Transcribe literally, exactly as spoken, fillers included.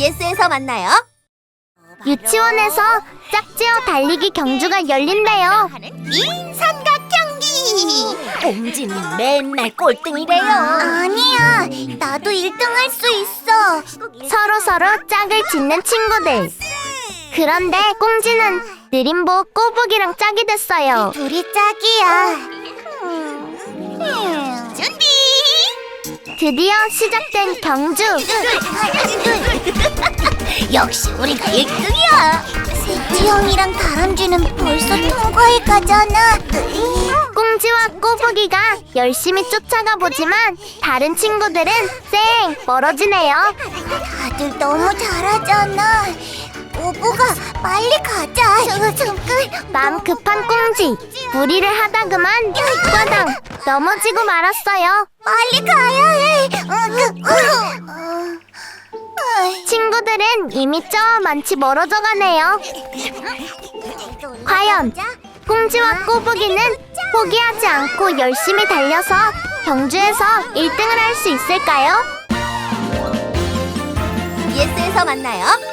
비에스에서 만나요. 유치원에서 짝지어 달리기 경주가 열린대요. 인삼각 경기. 꼼지는 맨날 꼴등이래요. 아니야, 나도 일 등 할 수 있어. 서로서로 짝을 짓는 친구들. 그런데 꽁지는 느림보 꼬북이랑 짝이 됐어요. 둘이 짝이야. 준비. 드디어 시작된 경주. 역시 우리가 일 등이야. 세지 형이랑 다람쥐는 벌써 통과해 가잖아. 꽁지와 꼬북이가 열심히 쫓아가 보지만 다른 친구들은 쌩 멀어지네요. 다들 너무 잘하잖아. 오보가 빨리 가자. 저, 잠깐. 마음 급한 꽁지. 무리를 하다 그만 꽈당 넘어지고 말았어요. 빨리 가야 해. 어, 그, 어, 어. 어이. 친구들은 이미 저 많이 멀어져 가네요. 과연 꽁지와 꼬북이는 포기하지 않고 열심히 달려서 경주에서 일 등을 할 수 있을까요? 비에스에서 만나요.